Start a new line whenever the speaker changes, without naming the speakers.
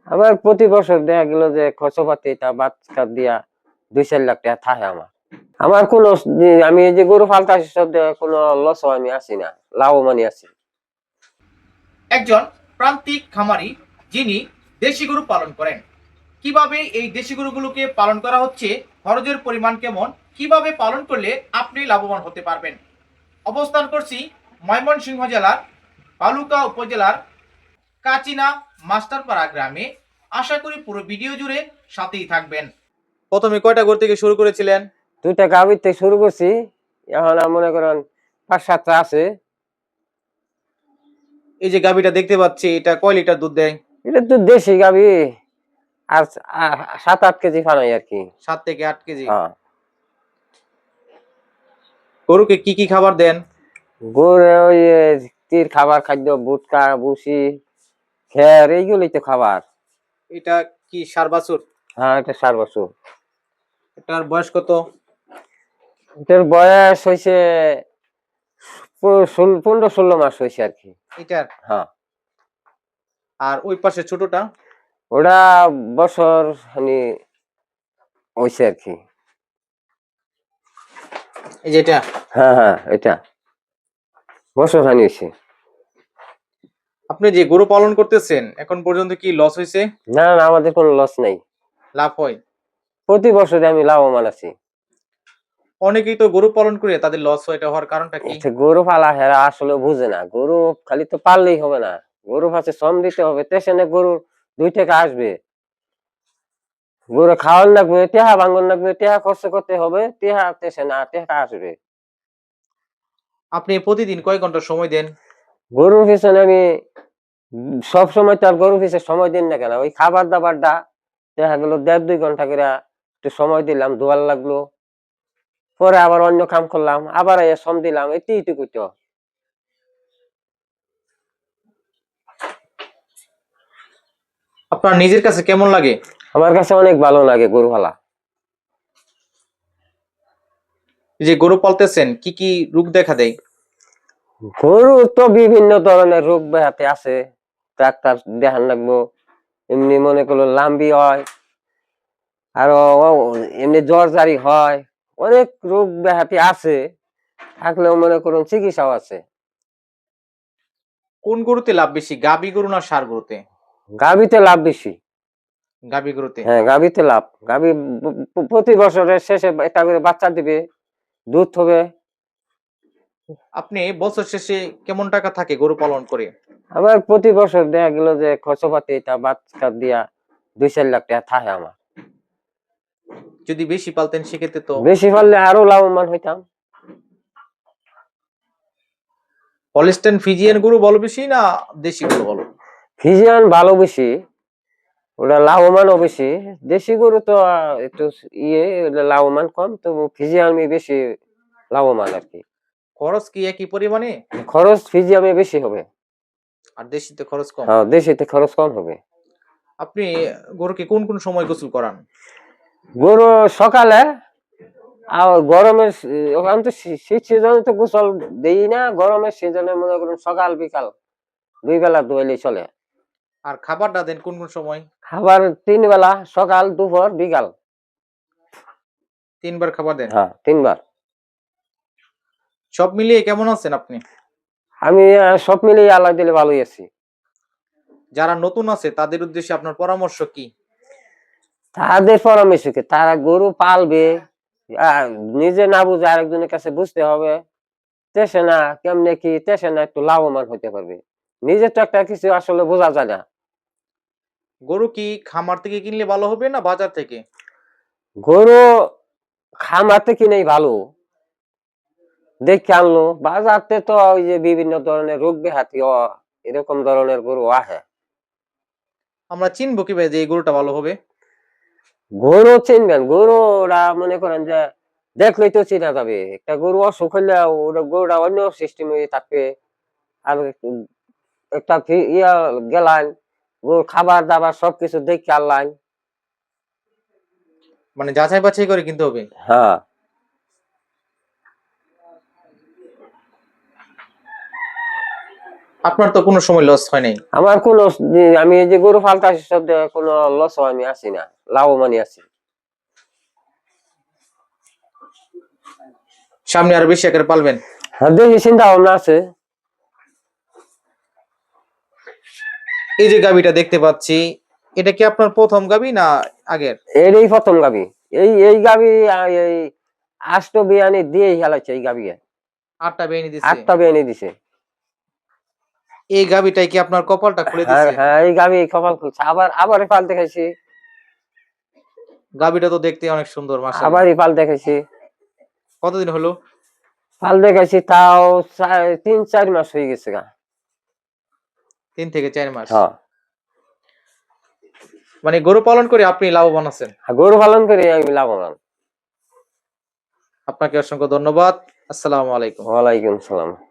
আবার প্রতি বছর দেখা গেল যে খরচপাতি তা বাচ্চা দিয়া 2-4 লাখ টাকা থাকে আমার। আমার কোনো আমি এই যে গরু ফালতাছি সব কোনো লস আমি আছি না, লাভবানই আছি।
একজন প্রান্তিক খামারি যিনি দেশি গরু পালন করেন, কিভাবে এই দেশি গরুগুলোকে পালন করা হচ্ছে, খরচের পরিমাণ কেমন, কিভাবে পালন করলে আপনি লাভবান হতে পারবেন। অবস্থান করছি ময়মনসিংহ জেলার বালুকা উপজেলার কাচিনা মাস্টারপাড়া গ্রামে। আশা করি পুরো ভিডিও জুড়ে সাথেই থাকবেন। প্রথমে কয়টা গরু থেকে শুরু করেছিলেন?
2টা গাভীর থেকে শুরু করছি, এখন মনে করেন 5-7টা আছে।
এই যে গাভীটা দেখতে পাচ্ছি, এটা কয় লিটার দুধ দেয়?
এটা তো দেশি গাভী, আর 7-8 কেজি ফানাই আর কি।
7 থেকে 8 কেজি।
হ্যাঁ।
গরুকে কি কি খাবার দেন?
গরু ওই তীর খাবার, খাদ্য, ভুট্টা, ভুসি, খের, এইগুলোই তো খাবার।
এটা কি ষাঁড় বাছুর?
হ্যাঁ, এটা 4 বছর।
এটার বয়স কত?
এটার বয়স হয়েছে 15-16 মাস হয়েছে আর কি।
এটার?
হ্যাঁ।
আর ওই পাশে ছোটটা?
ওটা বছর হয়েছে আর কি।
এই যে এটা?
হ্যাঁ হ্যাঁ, এটা বছর হয়েছে।
আপনি যে গরু পালন করতেছেন এখন পর্যন্ত কি লস হয়েছে?
না না, আমাদের কোনো লস নাই,
লাভ হয়?
প্রতি বছরে আমি লাভবান আছি।
অনেকেই তো গরু পালন করে তাদের লস হয়, এটা হওয়ার কারণটা কি?
গরু পালা হেরা আসলে বুঝে না, গরু খালি তো পাললেই হবে না, গরু পাশে শ্রম দিতে হবে, স্টেশনে গরুর 2 টাকা আসবে, গরু খাওয়ান লাগবে, টেহা ভাঙন লাগবে, টেহা খরচ করতে হবে, টেহা স্টেশনে টেহা আসবে।
আপনি প্রতিদিন কয় ঘন্টা সময় দেন?
গরুর পিছনে আমি সব সময় তো আর গরুর পিছনে সময় দিন না কেন, ওই খাবার দাবারটা দেখা গেল 1.5-2 ঘন্টা করে একটু সময় দিলাম, ধোয়ার লাগলো, পরে আবার অন্য কাম করলাম, আবার শ্রম দিলাম, এইটুকুই তো।
আপনার নিজের কাছে কেমন লাগে?
আমার কাছে অনেক ভালো লাগে গরু পালা।
যে গরু পালতেছেন কি কি রোগ দেখা দেয়?
গরু তো বিভিন্ন ধরনের রোগ ব্যাধি আছে, ডাক্তার দেখান লাগবো, এমনি মনে করলো লাম্বি হয়, আরো এমনি জ্বর জারি হয়, অনেক রোগ ব্যাধি আছে, থাকলেও মনে করুন চিকিৎসাও আছে।
কোন গরুতে লাভ বেশি, গাভী গরু না ষাঁড় গরুতে?
গাভীতে লাভ বেশি।
গাভী গরুতে?
হ্যাঁ, গাভীতে লাভ। গাভী প্রতি বছরের শেষে একটা করে বাচ্চা দিবে, দুধ হবে।
আপনি বছর শেষে কেমন টাকা থাকে গরু পালন করে?
আবার প্রতি বছর দেখা গেল যে খরচপাতি তা বাচ্চা দিয়া 2-4 লাখ টাকা থাকে আমার।
যদি বেশি পালতেন সেক্ষেত্রে তো।
বেশি পারলে আরো লাভবান হইতাম।
হলস্টেইন ফ্রিজিয়ান গরু ভালো বেশি না দেশি গরু ভালো?
ফিজিয়ান ভালো বেশি, ওটা লাভবানও বেশি। দেশি গরু তো একটু ওটা লাভবান কম, তো ফিজিয়ামে বেশি লাভবান আর কি।
খরচ কি একই পরিমাণে?
খরচ ফিজিয়ামে বেশি হবে।
আর দেশিতে খরচ কম?
হ্যাঁ, দেশিতে খরচ কম হবে।
আপনি গরুকে কোন কোন সময় গোসল করান?
গরু সকালে, আর গরমের ওখান তো শীত সিজনে তো গোসল দেই না, গরমের সিজনে মনে করুন সকাল বিকাল 2 বেলা ধুইলেই চলে।
আর খাবারটা দেন কোন কোন সময়?
খাবার 3 বেলা, সকাল, দুপুর, বিকাল।
3 বার খাবার দেন?
হ্যাঁ, 3 বার।
সব মিলিয়ে কেমন আছেন আপনি?
আমি সব মিলিয়ে আল্লাহ দিলে ভালোই আছি।
যারা নতুন আছে তাদের উদ্দেশ্যে আপনার পরামর্শ কি?
তাদের পরামর্শ কি, তারা গরু পালবে, আহ, নিজে না বুঝে আরেকজনের কাছে বুঝতে হবে, তেসে না কেমনে কি, তেসে না একটু লাভবান হতে পারবে, নিজে তো একটা কিছু আসলে বোঝা যায় না।
গরু কি খামার থেকে কিনলে ভালো হবে না বাজার থেকে?
গরু খামার থেকে কিনেই ভালো, দেখে আনলো, বাজারতে তো ওই যে বিভিন্ন ধরনের রোগ ব্যাধি এরকম ধরনের গরু আহে।
আমরা চিনবো কিভাবে যে এই গরুটা ভালো হবে?
গরু চিনবেন, গরুরা মনে করেন যে দেখলেই তো চেনা যাবে, একটা গরু অসুখ হইলে ওটা গরুটা অন্য সিস্টেমে থাকবে। আর একটা ইয়া গেলাম, গরুর খাবার দাবার সবকিছু দেখে আনলাম।
মানে যাচাই বাছাই করে কিনতে হবে?
হ্যাঁ।
আপনার তো কোনো সময় লস হয় নাই।
আমার আমি এই যে গরু পালতাছি সব জায়গায় কোনো লস আমি আছি না, লাভবানই আছি।
সামনে আরো বেশি আকারে পালবেন?
হ্যাঁ, দেখি চিন্তা ভাবনা আছে।
এই যে গাভীটা দেখতে পাচ্ছি, এটা কি আপনার প্রথম গাভী না আগের?
এরই প্রথম গাবি। এই গাবি এই 8টা বিয়ানি দিয়ে হেলাইছে এই গাবিয়ে।
8টা বেনি দিছে।
8টা বিয়ানি দিছে।
এই গাভীটাই কি আপনার কপালটা খুলে
হ্যাঁ
দিছে?
হ্যাঁ, এই গাবি কপাল খুলছে। আবার পাল দেখাইছি।
গাভীটা তো দেখতে অনেক সুন্দর মাশাআল্লাহ।
আবারই পাল দেখাইছি।
কতদিন হলো?
পাল দেখাইছি তাও 3-4 মাস হয়ে গেছে গা।
3 থেকে 4 মাস।
হ্যাঁ,
মানে গরু পালন করে আপনি লাভবান আছেন।
গরু পালন করে আমি লাভবান।
আপনাকে অসংখ্য ধন্যবাদ। আসসালামু আলাইকুম।
ওয়ালাইকুম সালাম।